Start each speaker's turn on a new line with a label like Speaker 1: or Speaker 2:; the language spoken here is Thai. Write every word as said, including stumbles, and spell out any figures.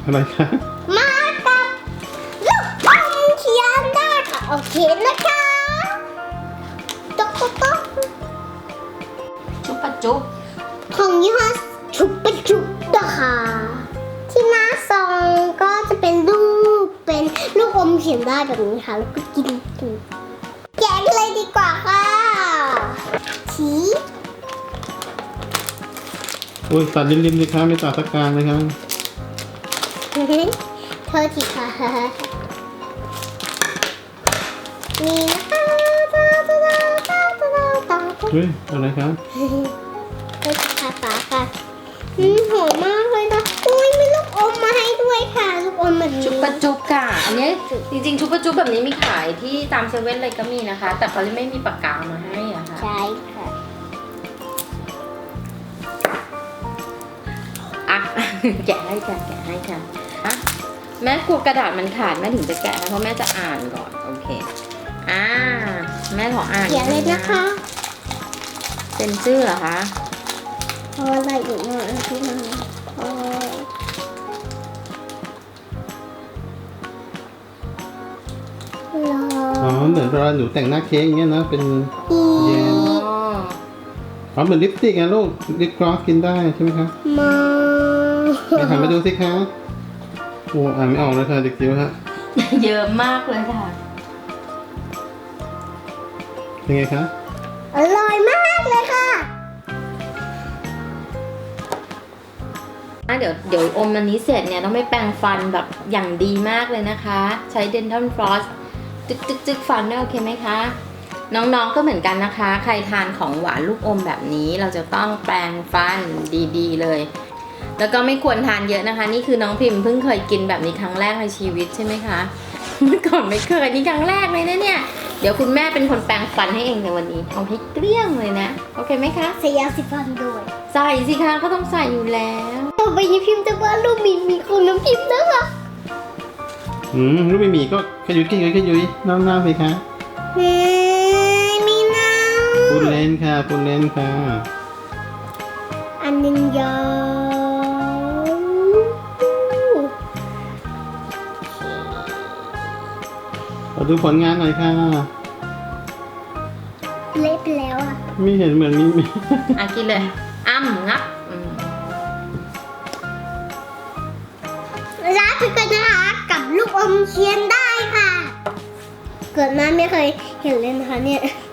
Speaker 1: อะไรคะ
Speaker 2: มากับลูกอมเขียนได้ค่ะโอเคนะคะต๊อกต๊อกต๊อก
Speaker 3: ชุบปะจุบ
Speaker 2: ของยี่ห้อชุบปะจุบนะคะที่หน้าซองก็จะเป็นรูปเป็นลูกอมเขียนได้แบบนี้ค่ะแล้วก็กินกินแกะกันเลยดีกว่าค่ะชี
Speaker 1: โอ้ยตัดริมๆสิคะไม่ตัดตะกลางเลยครับ
Speaker 2: เธอทีค่ะนี่นะคะตาตาตาตาตาตา
Speaker 1: เฮ้ยอะไรครับ
Speaker 2: เธอทีค่ะป๋าค่ะอืมหอมมากเลยนะอุ้ยมีลูกอมมาให้ด้วยค่ะลูกอมแบบนี้
Speaker 3: ชุบปะจุบค่ะ อันนี้จริงๆชุบปะจุบแบบนี้มีขายที่ตามเซเว่นเลยก็มีนะคะ แต่เขาไม่มีปากกามาให้อะค่ะ
Speaker 2: ใช่ค่ะ
Speaker 3: อ่ะ แกะให้ค่ะแกะให้ค่ะอ่ะแม่กลัวกระดาษมันขาดแม่ถึงจะแกะนะเพราะแม่จะอ่านก่อนโอเคอ่าแม่ขออ่าน
Speaker 2: เขียนเลยนะคะ
Speaker 3: เป็นชื่อเหรอคะ
Speaker 2: พออะไรอีกหน่อยพี่น้องพอรอ
Speaker 1: อ๋อเหมือนเวลาหนูแต่งหน้าเค้กอย่างเงี้ยนะเป็น
Speaker 2: อี
Speaker 1: แยม
Speaker 3: อ๋อ
Speaker 1: อ๋อเหมือนลิปสติกไงลูกลิปกลอสกินได้ใช่ไหมคะ
Speaker 2: มา
Speaker 1: ไปหันมาดูสิคะโอ้อ่านไม่ออกเลยค่ะเด็กจิ๋วฮะ
Speaker 3: เยอะมากเลยค่ะ
Speaker 1: เป็นไงคะ
Speaker 2: อร่อยมากเลยค่ะ
Speaker 3: อ่ะเดี๋ยวเดี๋ยวอมอันนี้เสร็จเนี่ยต้องไปแปรงฟันแบบอย่างดีมากเลยนะคะ ใช้ Dental Floss จึกจึกจึกฟันได้โอเคไหมคะ น้องๆก็เหมือนกันนะคะ ใครทานของหวานลูกอมแบบนี้เราจะต้องแปรงฟันดีๆเลย แล้วก็ไม่ควรทานเยอะนะคะ นี่คือน้องพิมพ์เพิ่งเคยกินแบบนี้ครั้งแรกในชีวิตใช่ไหมคะเมื่อก่อนไม่เคยนี่ครั้งแรกเลยนะเนี่ยเดี๋ยวคุณแม่เป็นคนแปรงฟันให้เองในวันนี้เอาให้เกลี้ยงเลยนะโอเคไหมคะ
Speaker 2: ใส่ยาสีฟันด้วย
Speaker 3: ใส่สิคะก็ต้องใส่อยู่แล้ว
Speaker 2: ต่อไปนี้พิมพ์จะว่าลูกมีมีคนน้ำพิมพ์นะคะ
Speaker 1: อืมลูกไม่มีก็ขยุยขยุยขยุยน้ำน้ำสิคะ
Speaker 2: เฮ้ยมีน้
Speaker 1: ปูนเลนค่ะปูนเลนค่ะ
Speaker 2: ำอันหนึงยาว
Speaker 1: ขอดูผลงานหน่อยค่ะ
Speaker 2: เละไปแล้วอ่ะ
Speaker 1: ไม่เห็นเหมือนมีมี
Speaker 3: อ่ะกินเลยอ้ำงับอืม
Speaker 2: ลาไปก่อนนะคะกับลูกอมเคียนได้ค่ะ เกิดมาไม่เคยเห็นเลยนะคะเนี่ย